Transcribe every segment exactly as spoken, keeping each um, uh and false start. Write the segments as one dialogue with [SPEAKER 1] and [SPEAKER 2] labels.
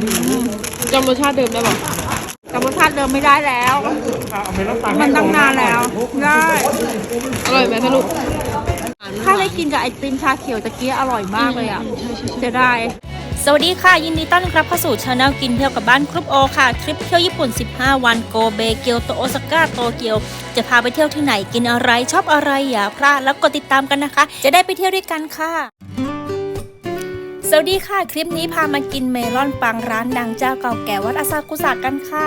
[SPEAKER 1] จำรสชาติเดิมได้ปะ
[SPEAKER 2] จำรสชาติเดิมไม่ได้แล้วมันตั้งนานแล้วได้
[SPEAKER 1] อร่อยไหมสรุป
[SPEAKER 2] ถ้าได้กินกับไอติมชาเขียวตะเกียอร่อยมากเลยอ่ะจะได้
[SPEAKER 3] สวัสดีค่ะยินดีต้อนรับเข้าสู่ช anel กินเที่ยวกับบ้านกรุ๊ปโอค่ะทริปเที่ยวญี่ปุ่นสิบห้าวันโกเบเกียวโตโอซาก้าโตเกียวจะพาไปเที่ยวที่ไหนกินอะไรชอบอะไรอย่าพลาดแล้วกดติดตามกันนะคะจะได้ไปเที่ยวด้วยกันค่ะสวัสดีค่ะคลิปนี้พามากินเมลอนปังร้านดังเจ้าเก่าแก่วัดอาซากุสะกันค่ะ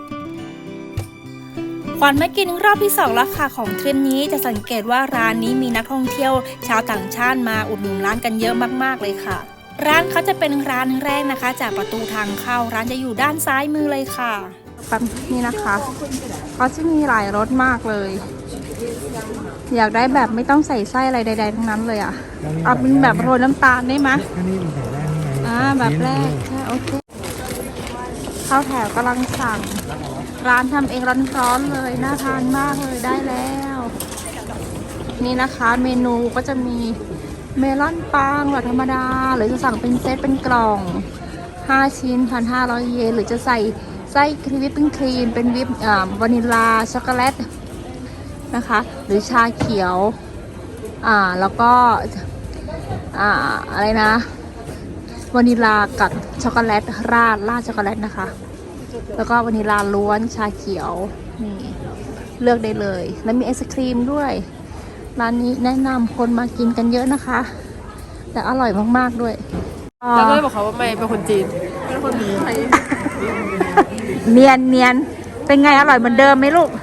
[SPEAKER 3] ขวัญมากินรอบที่สองแล้วค่ะของทริปนี้จะสังเกตว่าร้านนี้มีนักท่องเที่ยวชาวต่างชาติมาอุดหนุนร้านกันเยอะมากๆเลยค่ะร้านเขาจะเป็นร้านแรกนะคะจากประตูทางเข้าร้านจะอยู่ด้านซ้ายมือเลยค่ะ
[SPEAKER 2] แบบนี้นะคะเขาจะมีหลายรสมากเลยอยากได้แบบไม่ต้องใส่ไส้อะไรใดๆทั้งนั้นเลยอ่ะเอาเป็นแบบโรยน้ำตาลได้ไหมอ่าแบบแรกใช่โอเคข้าวแถวกำลังสั่งร้านทำเองร้อนๆเลยน่าทานมากเลยได้แล้วนี่นะคะเมนูก็จะมีเมลอนปังแบบธรรมดาหรือจะสั่งเป็นเซตเป็นกล่องห้าชิ้น หนึ่งพันห้าร้อย เยนหรือจะใส่ไส้ครีมวิปปิ้งครีมเป็นวิปอ่าวานิลาช็อกโกแลตนะคะหรือชาเขียวอ่าแล้วก็อ่าอะไรนะวานิลากับช็อกโกแลตราดราดช็อกโกแลตนะคะแล้วก็วานิลาล้วนชาเขียวนี่เลือกได้เลยแล้วมีไอศครีมด้วยร้านนี้แนะนำคนมากินกันเยอะนะคะแต่อร่อยมากๆด้วย
[SPEAKER 1] แล้วก็เลยบอกเขาว่าไม่เป็นคนจีนเป็นคนไทย
[SPEAKER 2] เนียนเนียนเป็นไงอร่อยเหมือนเดิมไหมลูก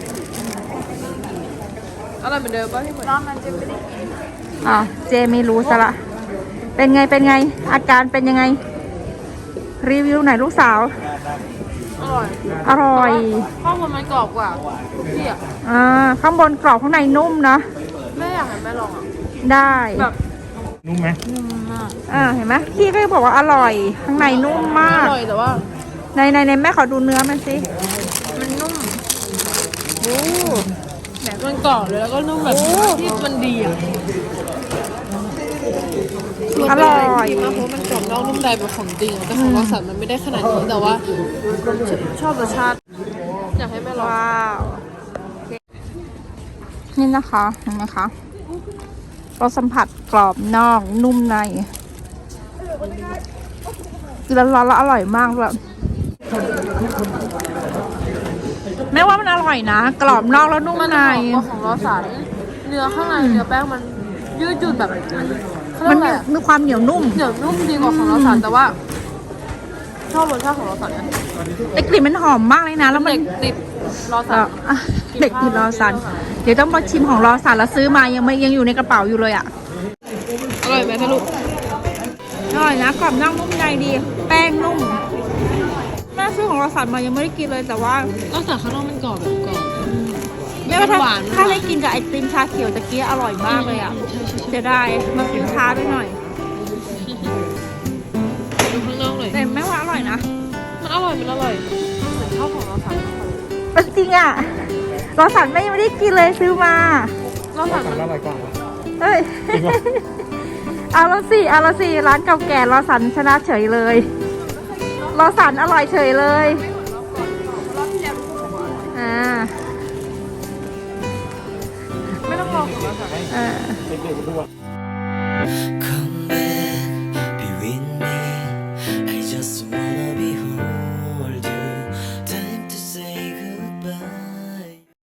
[SPEAKER 1] อร่อยเหมือนเดิมป่ะพี่ฝนรอบนั้นเจไม่ได้กิน
[SPEAKER 2] อ๋อเจไม่รู้ซะละเป็นไงเป็นไงอาการเป็นยังไงรีวิวหน่อยลูกสาว
[SPEAKER 1] อร่อย
[SPEAKER 2] อร่อย
[SPEAKER 1] ข้าวมันมันกรอบกว่าพี่อ่ะ
[SPEAKER 2] อ่าข้างบนกรอบข้างในนุ่มนะ
[SPEAKER 1] แม่อยากให้แม่ลองอ่ะ
[SPEAKER 2] ได้
[SPEAKER 1] แบบ
[SPEAKER 4] นุ่มไหม
[SPEAKER 1] นุ่มมาก
[SPEAKER 2] อ่าเห็นไหมพี่ก็บอกว่าอร่อยข้างในนุ่มมาก
[SPEAKER 1] อร่อยแต่ว่า
[SPEAKER 2] ในในในแม่ขอดูเนื้อมันสิ
[SPEAKER 1] มันนุ่ม
[SPEAKER 2] โอ้
[SPEAKER 1] แบบมันกรอบเลยแล้วก็นุ่มแบบที่มันดีอ่ะ
[SPEAKER 2] อร่อย
[SPEAKER 1] มากเพราะมันกรอบนอกนุ่มในแบบของจริงแต่ของเราสัตว์มันไม่ได้ขนาดนี้แต่ว่าชอบรสชาติอยากให้แม่ลอง
[SPEAKER 2] ว้าวนี่นะคะเห็นไหมคะรสสัมผัสกรอบนอกนุ่มในกินร้อนๆแล้วอร่อยมากเลยแม้ว่ามันอร่อยนะกรอบนอกแล้วนุ่มใน
[SPEAKER 1] ของเราสันเนื้อข้างในเนื้อแป้งมันยืดหยุ่นแบบ
[SPEAKER 2] มันมีความเหนียวนุ่ม
[SPEAKER 1] เหนียวนุ่มดีกว่าของเราสันแต่ว่าชอบรสชาติของเราสันนะ
[SPEAKER 2] แต่กลิ่นมันหอมมากเลยนะแล้วมัน
[SPEAKER 1] เด็กติดรอสัน
[SPEAKER 2] เด็กติดรอสันเดี๋ยวต้องมาชิมของรอสันแล้วซื้อมายังไม่ยังอยู่ในกระเป๋าอยู่เลยอ่ะ
[SPEAKER 1] อร่อยไหมคะลูก
[SPEAKER 2] อร่อยนะกรอบนอกนุ่มในดีแป้งนุ่มแม่ซื้อของรอสันมายังไม่ได้กินเลยแต่ว่าร
[SPEAKER 1] อสันข้างนอกมันกรอบแบบกรอบ
[SPEAKER 2] ไม่ว่าถ้าถ้าได้กินกับไอติมชาเขียวตะเกียอร่อยมากเลยอ่ะจะได้มากินช้าไปหน่อย
[SPEAKER 1] ดูข้างนอกเลย
[SPEAKER 2] แต่แม่ว่าอร่อยนะ
[SPEAKER 1] มันอร่อยมันอร่อยเหมือนข้าวของรอสัน
[SPEAKER 2] จริงอ่ะรอสันแม่ยังไม่ได้กินเลยซื้อมาร
[SPEAKER 1] อสัน
[SPEAKER 4] อร่อยกว่า
[SPEAKER 2] เอ้ยเอาละสิเอาละสิร้านเก่าแก่รอสันชนะเฉยเลยรอสันอร่อยเฉยเลยอ่า
[SPEAKER 1] ไม่ต้องรอของรอสัน
[SPEAKER 2] อ่า
[SPEAKER 4] Come back, be with me. I just